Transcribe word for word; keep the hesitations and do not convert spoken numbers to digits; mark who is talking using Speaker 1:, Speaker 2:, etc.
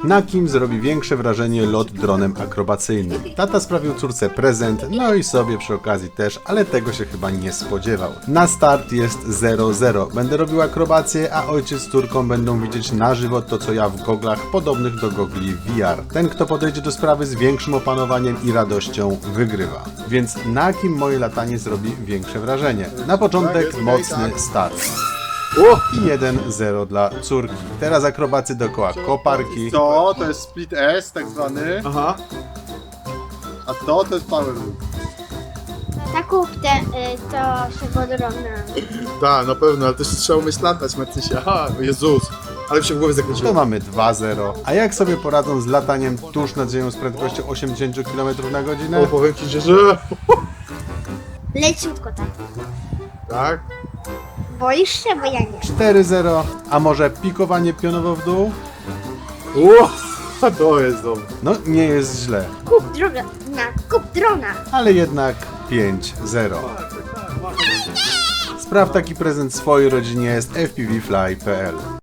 Speaker 1: Na kim zrobi większe wrażenie lot dronem akrobacyjnym? Tata sprawił córce prezent, no i sobie przy okazji też, ale tego się chyba nie spodziewał. Na start jest zero zero. Będę robił akrobację, a ojciec z córką będą widzieć na żywo to, co ja w goglach podobnych do gogli V R. Ten, kto podejdzie do sprawy z większym opanowaniem i radością, wygrywa. Więc na kim moje latanie zrobi większe wrażenie? Na początek mocny start. I jeden zero dla córki. Teraz akrobacy dookoła koparki.
Speaker 2: To, to jest split S tak zwany,
Speaker 3: Aha.
Speaker 2: a to to jest power loop.
Speaker 4: Ta kupte y, to się podrobna.
Speaker 3: Tak, na pewno, ale też trzeba umieć latać, Marcysia. Aha, o Jezus. Ale mi się w głowie
Speaker 1: To
Speaker 3: zakręciło.
Speaker 1: mamy dwa zero. A jak sobie poradzą z lataniem tuż nad ziemią z prędkością osiemdziesiąt kilometrów na godzinę?
Speaker 3: O, powiem ci, że... że...
Speaker 4: Leciutko tak.
Speaker 3: Tak?
Speaker 4: Boisz się? Bo ja nie.
Speaker 1: cztery zero. A może pikowanie pionowo w dół?
Speaker 3: O, to jest dobre.
Speaker 1: No nie jest źle.
Speaker 4: Kup drona. Kup drona.
Speaker 1: Ale jednak pięć zero. Spraw taki prezent swojej rodzinie z f p v fly kropka p l.